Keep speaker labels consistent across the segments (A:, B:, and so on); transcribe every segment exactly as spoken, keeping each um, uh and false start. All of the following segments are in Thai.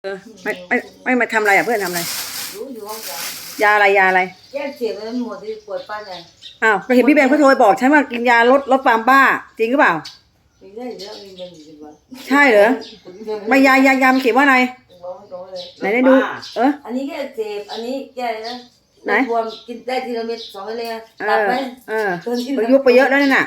A: เออไม่ไม่ไม่มาทำอะไรอ่ะเพื่อนทำอะไร
B: รู้อยู่ห้องย
A: ายาอะไรยาอะไร
B: แยกเสียงแล้วหมดที่ปวดป้าไง
A: อ้าวก็เห็นพี่แบงค์เขาโทรไปบอกฉันว่ากินยาลดลดความบ้าจริงหรือเปล่า
B: มีได้เยอะมีเงินอยู่สิบวัน
A: ใช่เหรอไม่ยายายามเขียนว่าอะไรไหนได้ดูเออ
B: อันนี้แค่เจ็บอันนี้แก้นะไหนบวมกินได้ทีละเม็ดสองเม็ดเลย
A: เออเออประยุกต์ไปเยอะแล้วนั่นน่ะ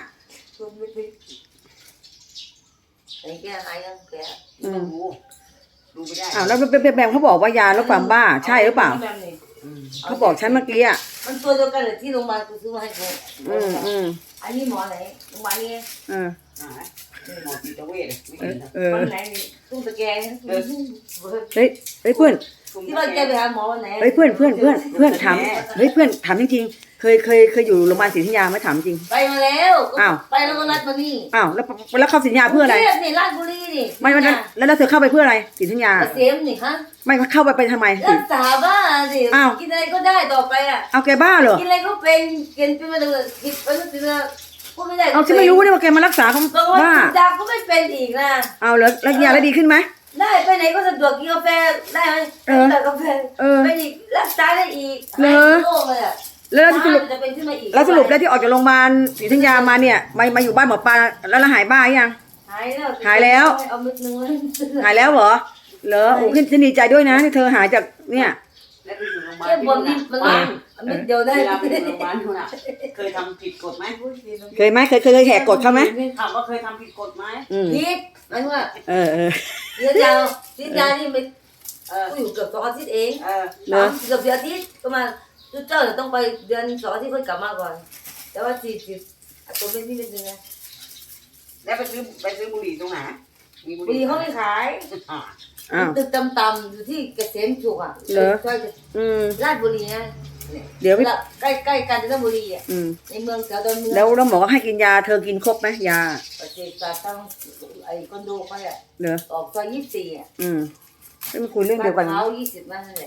B: ไอ้แก้หายยังแก้
A: ดูดูไม่ได้อ้าวแล้วแบงค์เขาบอกว่ายาลดความบ้าใช่หรือเปล่าเขาบอกฉันเมื่อกี้อ่ะ
B: มันตัวเดียวกันเลยที่โรงพยาบาลกูซื้อมาให้กู
A: อืมอืม
B: อันนี้หมอไหนโรงพยาบาลนี้
A: เออ
C: หมอจิตเวช
A: เออ
B: วันไหนตุ้งตะแกรง
A: เฮ้ยเฮ้ยเพื่อน
B: ที่ว่าแกไปหาหมอวันไหน
A: เฮ้ยเพื่อนเพื่อนเพื่อนเพื่อนถามเฮ้ยเพื่อนถามจริงๆเคยเคยเคยอยู่โรงพยาบาลศรีธัญญาไหมถามจริง
B: ไปมาแล้ว
A: อ้าว
B: ไปแล้วก็นัดมานี่
A: อ้าวแล้วแล้วเข้าศรีธัญญาเพื่ออะไร
B: นี่ราชบุรีนี่
A: ไม่ไม่แล้วแล้วเธอเข้าไปเพื่ออะไรศรีธัญญา
B: เกษมนี่ฮะ
A: ไม่เข้าไปไปทำไม
B: รักษาบ้าสิกินอะไรก็ได้ต่อไปอ่ะ
A: เอาแกบ้าเหรอ
B: กินอะไรก็เป็นกินเป็นมาเลยกินไปแล้วกินแล้วพูดไม่ได้
A: เอาฉันไม่รู้นี่ว่าแกมารักษาเขา
B: บ้าดาก็ไม่เป็นอีกนะ
A: เอาแล้วแล้วยาแล้วดีขึ้นไหม
B: ได้ไปไหนก็สะดวกกินกาแฟได้ไหมเออแต่กาแฟไปอีกรักษาได้อีก
A: เหรอแล้วสรุปแล้วสรุปแล้วที่ออกจากโรงพยาบาลศรีธัญญามาเนี่ยมามาอยู่บ้านหมอปลาแล้วหายบ้ายัง
B: หายแล้ว
A: หายแล้ว
B: เอามือนึง
A: หายแล้วเหรอเหรอโอ้ขึ้นฉันดีใจด้วยนะที่เธอหายจากเนี่ย
C: แล้วไปอยู่โรงพยาบาล
B: แค่บวมนิดมันมันเดียวได้
C: เวลาไปอยู่โรงพยาบาลคุณอ่ะเคยทำผิดกฎไหม
A: เคยไหมเคยเคยเคยแหกกฎเขาไหม
C: ถามว่าเคยทำผิดกฎไหม
B: ผิดหมายว่า
A: เออเออ
B: เดี๋ยวยาวสิ้นยานี่ไม่กูอยู่เกือบสองอาทิตย์เอง
C: เออ
B: เนาะเกือบเดือนอาทิตย์ก็มาจุดเจ้าเดี๋ยวต้องไปเดือนสองอาทิตย์ค่อยกลับมาก่อนแต่ว่าสี่สิบตัวเป็นที่เป็นยังไง
C: แล้วไปซื้อไปซื้อบุหรี่ตรงไหน
B: มีบุหรี่เขาไม่ขายตึกต่ำๆอยู่ที่เกษมสุขอ่ะ
A: เหรออืม
B: ราชบุรีนะ
A: เดี๋ยว
B: ใกล้ใกล้กาญจนบุรีอ่ะในเมืองแถวดอนเมือง
A: แล้วแล้วหมอก็ให้กินยาเธอกินครบไหมยา
B: ประเทศตาตั้งไอ้คอนโดเขาอ่ะ
A: เหรอ
B: ออกซอยยี่สิบสี่อ่ะ
A: อืมไม่มาคุยเรื่องเดียวกัน
B: เขายี่สิบนั่นแหละ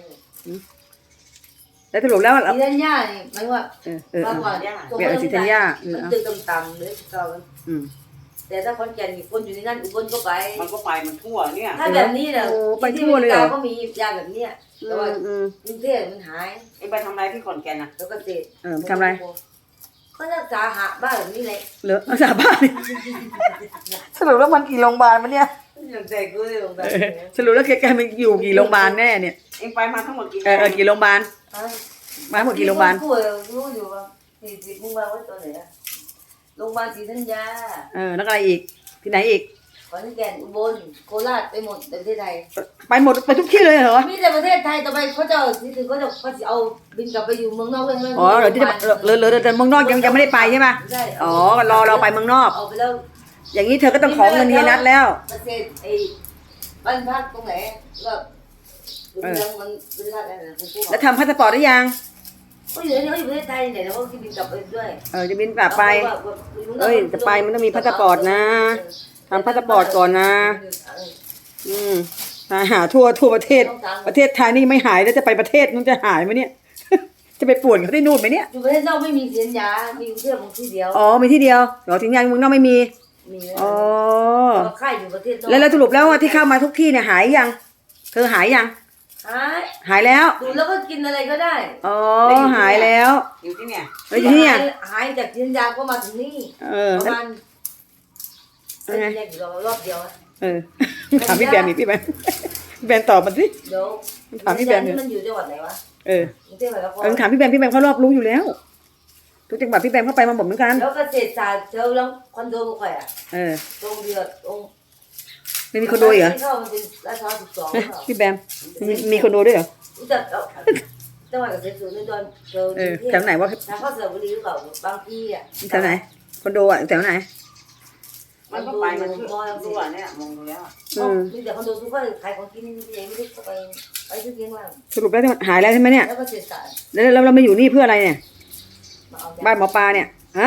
A: แล้วสรุปแล้ว
B: สีธัญญาเนี่ยหมายว่า
A: เออเออ
B: มากกว่า
A: เปลี่ยนสีธัญญา
B: มันตึกต่ำๆเลยเก่าแต่ถ้าคนแก่มีคนอยู่ในนั้นอุบลก็ไป
C: มันก็ไปมันทั่วเนี่ย
B: ถ้าแบบนี้เนี่ย
A: ไปทั่วเลยเหรอ
B: ก็มียาแบบเนี้ยแต่ว่ากรุงเทพมันหาย
C: ไอ้ไปทำอะไรที่ขอนแก่นนะ
B: แล้วก็เสพ
A: เออทำอะไร
B: ก็รักษาหาบ้านแบบนี้เลย
A: เหรอรักษาบ้านสรุปแล้วมันกี่โรงพยาบาลมันเนี่ย
B: อย่างใจกูเลยโรงพยาบาล
A: สรุปแล้วแกมันอยู่กี่โรงพยาบาลแน่เนี่ย
C: เอ็งไปมาทั้งหมดกี่
A: เออกี่โรงพยาบาลมาหมดกี่โรงพยาบาล
B: รู้อยู่ว่าสี่สิบโรงพยาบาลว่าตัวไหนอะโรงพยาบาลศรีธัญญา
A: เออแล้วอะไรอีกที่ไหนอีก
B: ขอนแก่นอุบลโคราชไปหมดในประเทศไทย
A: ไปหมดไปทุกที่เลยเหรอ
B: มีแต่ประเทศไทยต่อไปเขาจะที่ถึงเขาจะเขาจะเอาบินกลับไปอยู่เมืองนอกเลยไหม
A: อ๋อเดี๋ยวที่จะเหลือเหลือแต่เมืองนอกยังยังไม่ได้ไปใช่ไหมอ๋อรอเราไปเมืองนอก
B: เอาไปแล้ว
A: อย่างนี้เธอก็ต้องขอเงินเฮียนัทแล้ว
B: ประเทศไอ้บ้านพักตรงไหนก็เมืองมันประเทศอะไรนะ
A: แล้วทำพาสปอร์ตได้ยัง
B: ก็อยู่ในประเทศไทยเนี่ยแล้วก็บินกลับไปด้วย
A: เออจะบินกลับไปเอ้ยจะไปมันต้องมีพาสปอร์ตนะทำพาสปอร์ตก่อนนะอืมหาทั่วทั่วประเทศประเทศไทยนี่ไม่หายแล้วจะไปประเทศนู้นจะหายไหมเนี่ยจะไปป่วนเขาที่นู่นไหมเนี่ย
B: อยู่ประเทศนอกไม่มีสัญญามีกรุงเทพที่เดียว
A: อ๋อมีที่เดียวเดี๋ยวถึงยังเมืองนอกไม่มีอ๋อ
B: ค่ายอยู่ประเทศนอก
A: แล้วแล้วสรุปแล้วว่าที่เข้ามาทุกที่เนี่ยหายยังเธอหายยัง
B: หาย
A: หายแล้ว
B: ดูแล้วก็กินอะไรก็ได้
A: อ๋อหายแล้ว
C: อยู่ที่เนี่ย
A: อยู่ที่เนี่ย
B: หายจากสัญญาก็มาถึงนี่ประมาณเป็นแค่รอบเดียว
A: เออถามพี่แบมอีกพี่แบมพี่แบมตอบมันสิ
B: เดี๋ยว
A: ถามพี่แบม
B: มันอยู่จังหวัดไหนวะ
A: เออเออถามพี่แบมพี่แบมเขารอบรู้อยู่แล้วทุกจังหวัดพี่แบมเข้าไปมาหมดเหมือนกัน
B: แล้วเกษตรศาสตร์เจอแล้วคอนโดมาใครอ่ะ
A: เออ
B: ตรงเดียวตรง
A: ไม่มีคอนโดเหรอพี่แบมมีคอนโดด้วยเหรอ
B: รู้จักจังหวัดเกษตรศาสตร์ในตอนเจอ
A: แถวไหนวะ
B: ทางเข้าสระบุรีหรือเปล่าบางที่อ่ะ
A: แถวไหนคอนโดอ่ะแถวไหน
C: มันก็ไปมันมองดูอ่ะเนี่ยมองดูแล้ว
B: อืมมีแต่คอนโดทุกคนขายของกินเองไม่ได้ไปไปซื้อเลี้ยงล่าง
A: สรุปแล้วหายแล้วใช่ไหมเนี่ย
B: แล้วก็เสียสาร
A: แล้วเราเรามาอยู่นี่เพื่ออะไรเนี่ยบ้านหมอปลาเนี่ยฮะ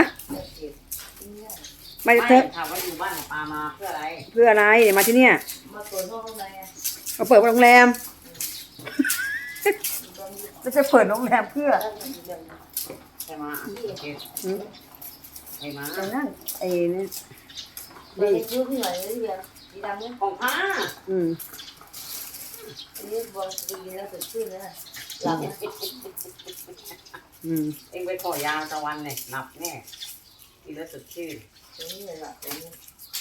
A: ไม่เธอ
C: ถามว่าอยู่บ้านหมอปลามาเพื่ออะไร
A: เพื่ออะไรมาที่เนี่ย
B: มาเปิดห้องข้างใน
A: มาเปิดโรงแรมจะจะเปิดโรงแรมเพื่อ
C: ใช่ไหมใช่ไหม
A: นั่นไอ้นี่
B: ดีซื้อที่ไหนเลยเดียวดีดำเนี่ย
C: ของผ้า
A: อืม
B: อันนี้บอลไปกินแล้วสดชื่นนะหลับ
A: อืม
C: เองไปขอยาตะวันเนี่ยหลับแน่กินแล้วสดชื่น
B: ตรงนี้เลยหลับตรงนี้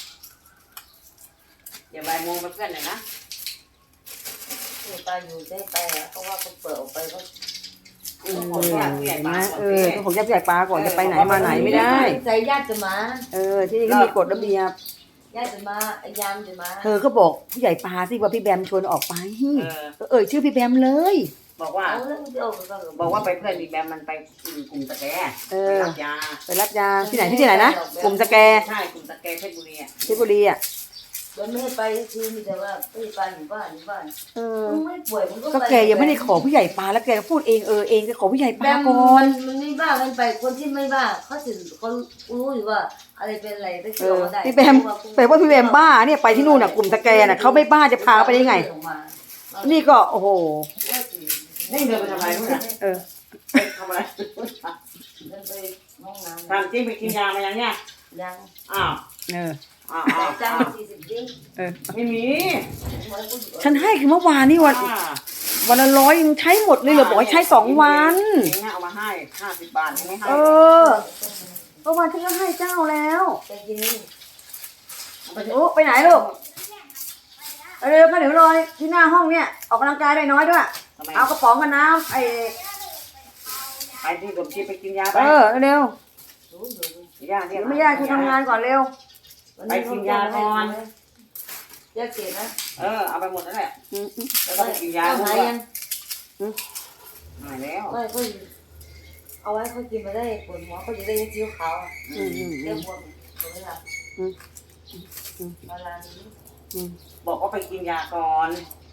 C: อย่าบ่ายโมงมาเพื่อนเลยนะ
B: ที่ไปอยู่ได้ไปอ่ะเพราะว่าเขาเปิดออกไปก็
A: เออเห็นไหมเออต้องของญาติผู้ใหญ่ปลาก่อนจะไปไหนมาไหนไม่ได้
B: ใจญาติจะมา
A: เออที่นี่ก็มีกฎระเบียบ
B: ญาติจะมาไอ้ยามจะมา
A: เธอก็บอกผู้ใหญ่ปลาสิว่าพี่แบมชวนออกไป
C: เออ
A: ก็เอ่ยชื่อพี่แบมเลย
C: บอกว่า
B: เอาแล้วเดี๋ยวก็
C: บอกว่าไปเพื่อนมีแบมมันไปกลุ่มตะแก
A: เอ
C: ไป
A: อ
C: รับยา
A: ไปรับยาที่ไหนที่ที่ไหนนะกลุ่มสแก
C: ใช่กลุ่มตะแกเพชรบุรีอ่ะ
A: เพชรบุรีอ่ะ
B: เดี๋ยวไม่ให้ไปคือมีแต่ว่าไม่ไปอยู่บ้านอยู่บ้าน
A: เออ
B: มึงไม่ป่วยมึงก็
A: ก็
B: ไป
A: แกยังไม่ได้ขอผู้ใหญ่ปลาแล้วแกก็พูดเองเออเองจะขอผู้ใหญ่ป
B: แบ
A: ลา
B: ม
A: ก่อ
B: มัน นมันไม่บ้ามันไปคนที่ไม่บ้าเขาถึงเขารู้อยู่ว่าอะไรเป็นอะไรได้
A: เอ
B: เกี่ยว
A: อ
B: ได้
A: พี่แบมแปลว่าพี่แบมบ้าเนี่ยไปที่นู่นน่ะกลุ่มสแกน่ะเขาไม่บ้าจะพาไปได้ไง นี่ก็โอ้โห
C: นี่เดินไปทำอะไรนู่นน่ะ
A: เออ
C: ไปทำอะไร
B: เดินไปห้องน้ำ
C: ทำจริงไปกินยามายังเนี่ย
B: ยัง
C: อ้าว
A: เออ
C: อ้าว
B: แต่
C: อ้าว
B: จ้าง
C: อ้าว
B: สี่สิบดิ้ง
A: เออ
C: ไม่มี
A: ฉันให้คือเมื่อวานนี่วัน
C: อ่า
A: วันละร้อยยังใช้หมดเลยเหรอบอกให้ใช้สองวัน
C: เองเอามาให้ห้าสิบบาทไม่ให้
A: เออเมื่อวานฉันก็ให้เจ้าแล้ว
B: ไปกินนี่
A: โอ้ไปไหนลูกเอาเร็วมาเดี๋ยวรอยที่หน้าห้องเนี่ยออกกำลังกายได้น้อยด้วย
C: ทำไม
A: เอากระป๋องกับน้ำไอ้
C: ไปที่สมชีไปกินยาไป
A: เออเร็ว
B: รู้อยู่
C: ยาเรีย
A: เดี๋
C: ก
A: ยวไม่ยากคือทำงานก่อนเร็ว
B: ไปกินยาก่อนยาเกล็ดนะ
C: เออเอาไปหมดนั่นแหละ
A: อืมอืม
C: แล้วก็ไปกินยา
B: เอา
C: ด้ว
B: หาย
C: ย
B: ยัง
C: หายแล้ว
B: ไม่ค่อยเอาไว้ค่อยกินมาได้ปวดหัวก็จะได้ยิ้วขาว
A: อืมอืม
B: เรียกบวมตรงนี้ละมาลานี้
A: อืม
C: บอกว่าไปกินยาก่อน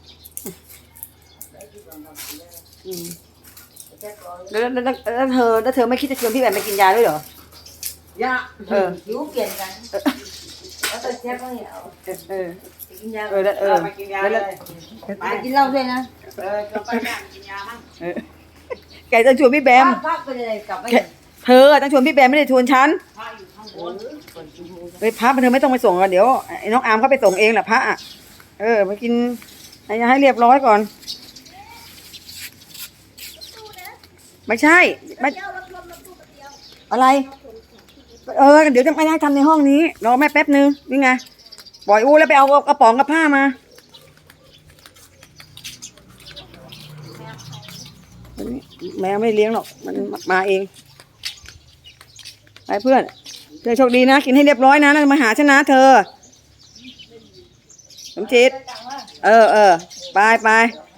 B: ได้ที่บำบัดเลย
A: อืม
B: แค่ร้อย
A: แล้วแล้วแล้วแล้วเธอแล้วเธอไม่คิดจะชวนพี่แบมไปกินยาด้วยเหรอ
C: ยา
A: เออ
B: หิวเปลี่ยนกันแล้วแต่แค่ก็เนี่ยเอา
A: เออเออ
B: ไปกินยา
A: เออแล้วเอ
C: เอ
A: อ
C: อไปกินยาเลย
B: ไปกินเหล้าด้วยนะ
C: เออจะไปบ้านกินยามั้ง
A: เออแกต้องชวนพี่แบม
B: พักไปเลยกลับไป
A: เธอต้องชวนพี่แบมไม่ได้ชวนฉัน
C: ถ้าอยู่ข้างบน
A: เฮ้ยพระเธอไม่ต้องไปส่งกันเดี๋ยวไอ้น้องอาร์มเขาไปส่งเองแหละพระอ่ะเออไปกินให้ให้เรียบร้อยก่อน ไม่ใช่ไม่อะไร เออเดี๋ยวจะไม่ได้ทำในห้องนี้รอแม่แป๊บนึงนี่ไงปล่อยอู้แล้วไปเอากระป๋องกับผ้ามาแมวไม่เลี้ยงหรอกมันมาเองไปเพื่อนเธอโชคดีนะกินให้เรียบร้อยนะแล้วมาหาฉันนะเธอสมจิตเออเออไปไป